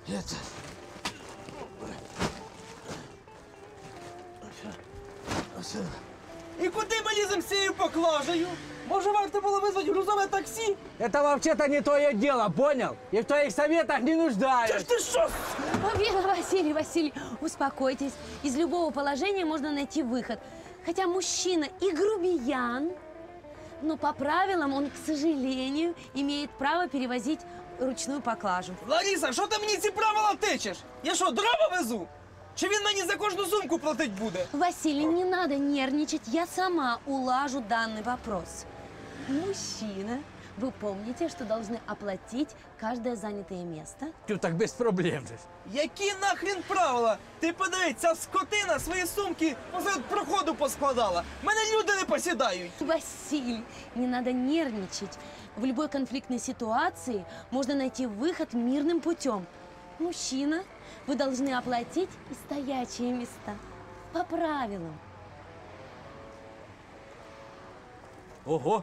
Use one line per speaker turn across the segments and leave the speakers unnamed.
Это...
І куди ми ліземо з цією поклажею? Може, варто було визвати грузове таксі?
Это вообще-то не твое дело, понял? И в твоих советах не нуждаюсь.
Та ж ти що?
Василий, успокойтесь. Из любого положения можно найти выход. Хотя мужчина и грубиян, но по правилам он, к сожалению, имеет право перевозить ручную поклажу.
Лариса, що ти мені ці правила тичеш? Я що, дрова везу? Чи він мені за кожну сумку платить буде?
Василий, не надо нервничать, я сама улажу данный вопрос. Мужчина, вы помните, что должны оплатить каждое занятое место?
Тю, так без проблем же.
Які нахрін правила? Ти подивись, ця скотина свої сумки посеред проходу поскладала. Мене люди не посідають.
Василий, не надо нервничать. В любой конфликтной ситуации можно найти выход мирным путем. Мужчина, вы должны оплатить и стоячие места. По правилам.
Ого.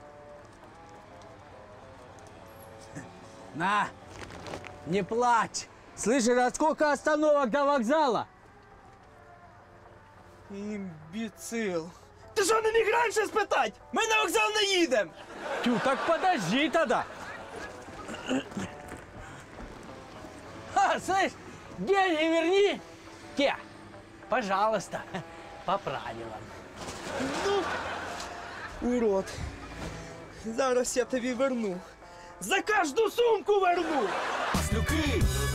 На, не плачь. Слышишь, а сколько остановок до вокзала?
Імбіцил. Ти що, не міг раніше спитати? Ми на вокзал не їдемо.
Тю, так подожди тогда. Ха, слышь, деньги верни. Те, пожалуйста, по правилам.
Урод. Зараз я тобі верну. За кожну сумку верну.
Маслюки!